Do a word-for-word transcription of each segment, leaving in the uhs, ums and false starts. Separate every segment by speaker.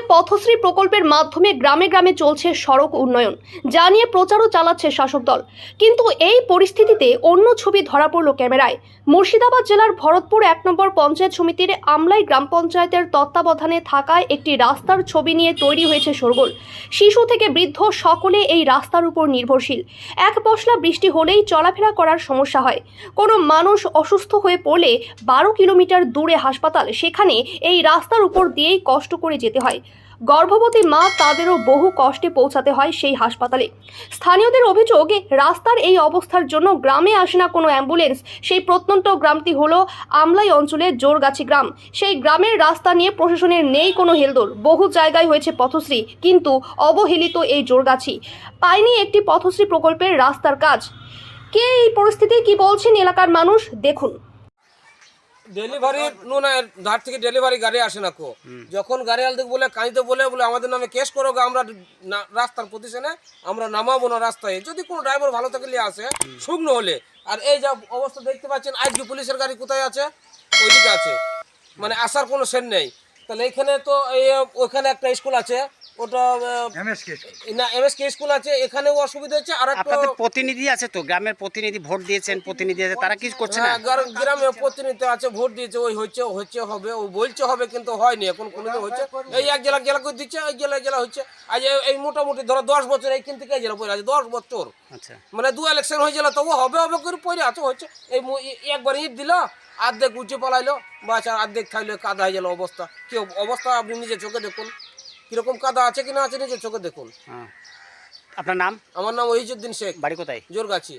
Speaker 1: পথশ্রী প্রকল্পের মাধ্যমে গ্রামে গ্রামে চলছে সড়ক উন্নয়ন, যা নিয়ে প্রচারও চালাচ্ছে শাসক দল। কিন্তু এই পরিস্থিতিতে অন্য ছবি ধরা পড়ল ক্যামেরায়। মুর্শিদাবাদ জেলার ভরতপুর এক নম্বর পঞ্চায়েত সমিতির আমলাই গ্রাম পঞ্চায়েতের তত্ত্বাবধানে থাকায় একটি রাস্তার ছবি নিয়ে তৈরি হয়েছে শোরগোল। শিশু থেকে বৃদ্ধ সকলে এই রাস্তার উপর নির্ভরশীল। এক পশলা বৃষ্টি হলেই চলাফেরা করার সমস্যা হয়। কোনো মানুষ অসুস্থ হয়ে পড়লে বারো কিলোমিটার দূরে হাসপাতাল, সেখানে এই রাস্তার উপর দিয়েই কষ্ট করে যেতে হয়। গর্ভবতী মা তাদেরও বহু কষ্টে পৌঁছাতে হয় সেই হাসপাতালে। স্থানীয়দের অভিযোগ, রাস্তার এই অবস্থার জন্য গ্রামে আসে না কোনো অ্যাম্বুলেন্স। সেই প্রত্যন্ত গ্রামটি হলো আমলাই অঞ্চলের জোরগাছি গ্রাম। সেই গ্রামের রাস্তা নিয়ে প্রশাসনের নেই কোনো হেলদোল। বহু জায়গায় হয়েছে পথশ্রী, কিন্তু অবহেলিত এই জোরগাছি পায়নি একটি পথশ্রী প্রকল্পের রাস্তার কাজ। কে এই পরিস্থিতি কি বলছেন এলাকার মানুষ, দেখুন।
Speaker 2: ডেলিভারি নুন ধার থেকে ডেলিভারি গাড়ি আসে না কো, যখন গাড়ি আলতে বলে কাঁদিতে বলে বলে আমাদের নামে কেস করো, আমরা রাস্তার পজিশনে আমরা নামাবো না রাস্তায়। যদি কোনো ড্রাইভার ভালো থাকলে আসে, শুকনো হলে। আর এই যা অবস্থা দেখতে পাচ্ছেন, আজকে পুলিশের গাড়ি কোথায় আছে? ওইদিকে আছে, মানে আসার কোনো সেন নেই। তাহলে এখানে তো ওইখানে একটা স্কুল আছে, ওটা না এমএসকে স্কুল আছে, এখানেও অসুবিধা হচ্ছে। আর
Speaker 3: আপনাদের প্রতিনিধি আছে তো, গ্রামের প্রতিনিধি ভোট দিয়েছেন, প্রতিনিধি আছে, তারা কি করছে না?
Speaker 2: গ্রামে প্রতিনিধি আছে, ভোট দিয়েছে, ওই হচ্ছে হচ্ছে হবে, ও বলছে হবে, কিন্তু হয়নি এখন কোনোদিন হচ্ছে। এই এক জেলা জেলা করে দিচ্ছে, এই জেলায় জেলা হচ্ছে। আজ এই মোটামুটি ধরো দশ বছর এইখান থেকে এই জেলা পড়ে আছে, দশ বছর। আচ্ছা, মানে দু ইলেকশন হয়ে গেল, তবু হবে হবে করে পড়ে আছে হচ্ছে। এই একবার ইট দিল, আর্ধেক উঁচে পালাইলো, বাস আর আর্ধেক খাইলো, কাদা হয়ে গেল অবস্থা। কি অবস্থা আপনি নিজের চোখে দেখুন, কিরকম কাদা আছে কিনা আছে নিজের চোখে দেখুন।
Speaker 3: আপনার নাম?
Speaker 2: আমার নাম ওহিজুদ্দিন শেখ,
Speaker 3: বাড়ি কোথায়?
Speaker 2: জোরগাছি।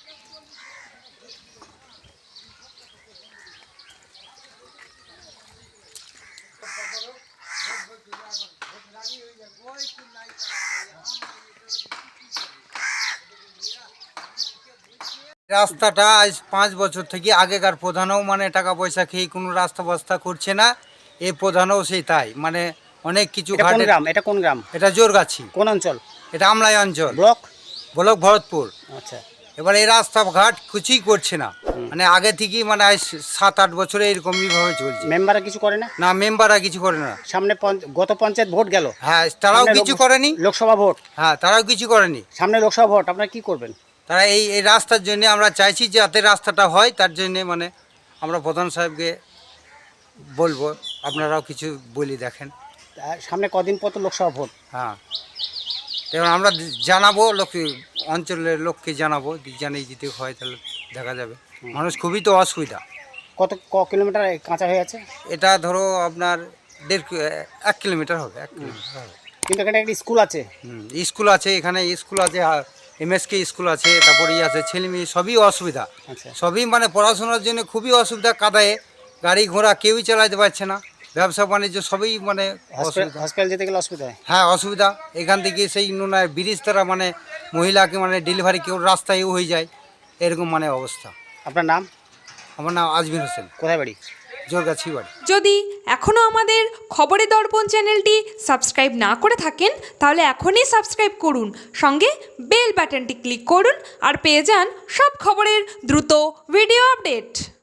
Speaker 4: রাস্তাটা আজ পাঁচ বছর থেকে আগেকার প্রধানও মানে টাকা পয়সা খেয়ে কোনো রাস্তা বাস্তা করছে না, এই প্রধানও সেই তাই, মানে অনেক কিছু।
Speaker 3: গ্রাম এটা কোন গ্রাম?
Speaker 4: এটা জোরগাছি।
Speaker 3: কোন অঞ্চল?
Speaker 4: এটা আমলাই অঞ্চল,
Speaker 3: ব্লক
Speaker 4: ব্লক ভরতপুর।
Speaker 3: আচ্ছা,
Speaker 4: এবার এই রাস্তাঘাট কিছুই করছে না, মানে আগে থেকেই মানে আজ সাত আট বছরে এরকমই ভাবে চলছে।
Speaker 3: মেম্বাররা কিছু করে না?
Speaker 4: না, মেম্বাররা কিছু করে না।
Speaker 3: সামনে গত পঞ্চায়েত ভোট গেল,
Speaker 4: হ্যাঁ তারাও কিছু করেনি।
Speaker 3: লোকসভা ভোট,
Speaker 4: হ্যাঁ তারাও কিছু করেনি।
Speaker 3: সামনে লোকসভা ভোট, আপনারা কি করবেন?
Speaker 4: তারা এই এই রাস্তার জন্য আমরা চাইছি যে যাতে রাস্তাটা হয়, তার জন্যে মানে আমরা প্রধান সাহেবকে বলবো, আপনারাও কিছু বলি দেখেন।
Speaker 3: সামনে কদিন পর তো লোকসভা ভোট।
Speaker 4: হ্যাঁ, এবং আমরা জানাবো লোক, অঞ্চলের লোককে জানাবো, জানিয়ে দিতে হয় তাহলে দেখা যাবে। মানুষ খুবই তো অসুবিধা।
Speaker 3: কত ক কিলোমিটার কাঁচা হয়ে আছে?
Speaker 4: এটা ধরো আপনার দেড় এক কিলোমিটার হবে, এক কিলোমিটার হবে।
Speaker 3: কিন্তু এখানে একটা স্কুল আছে।
Speaker 4: হুম, স্কুল আছে, এখানে স্কুল আছে, এমএসকে স্কুল আছে, তারপরে ই আছে, ছেলে মেয়ে সবই অসুবিধা।
Speaker 3: আচ্ছা,
Speaker 4: সবই মানে পড়াশোনার জন্য খুবই অসুবিধা, কাদায়ে গাড়ি ঘোড়া কেউই চালাতে পারছে না, ব্যবসা বাণিজ্য সবই মানে
Speaker 3: হসপিটাল যেতে গেলে অসুবিধা হয়।
Speaker 4: হ্যাঁ অসুবিধা, এখান থেকে সেই নুনায় ব্রিজ তারা মানে মহিলাকে মানে ডেলিভারি কেউ রাস্তায়ও হয়ে যায়, এরকম মানে অবস্থা।
Speaker 3: আপনার নাম?
Speaker 4: আমার নাম আজমির হোসেন।
Speaker 3: কোথায় বাড়ি?
Speaker 4: জোরগাছি বাড়ি।
Speaker 5: যদি এখনও আমাদের খবরের দর্পণ চ্যানেলটি সাবস্ক্রাইব না করে থাকেন, তাহলে এখনই সাবস্ক্রাইব করুন, সঙ্গে বেল বাটনটি ক্লিক করুন, আর পেয়ে যান সব খবরের দ্রুত ভিডিও আপডেট।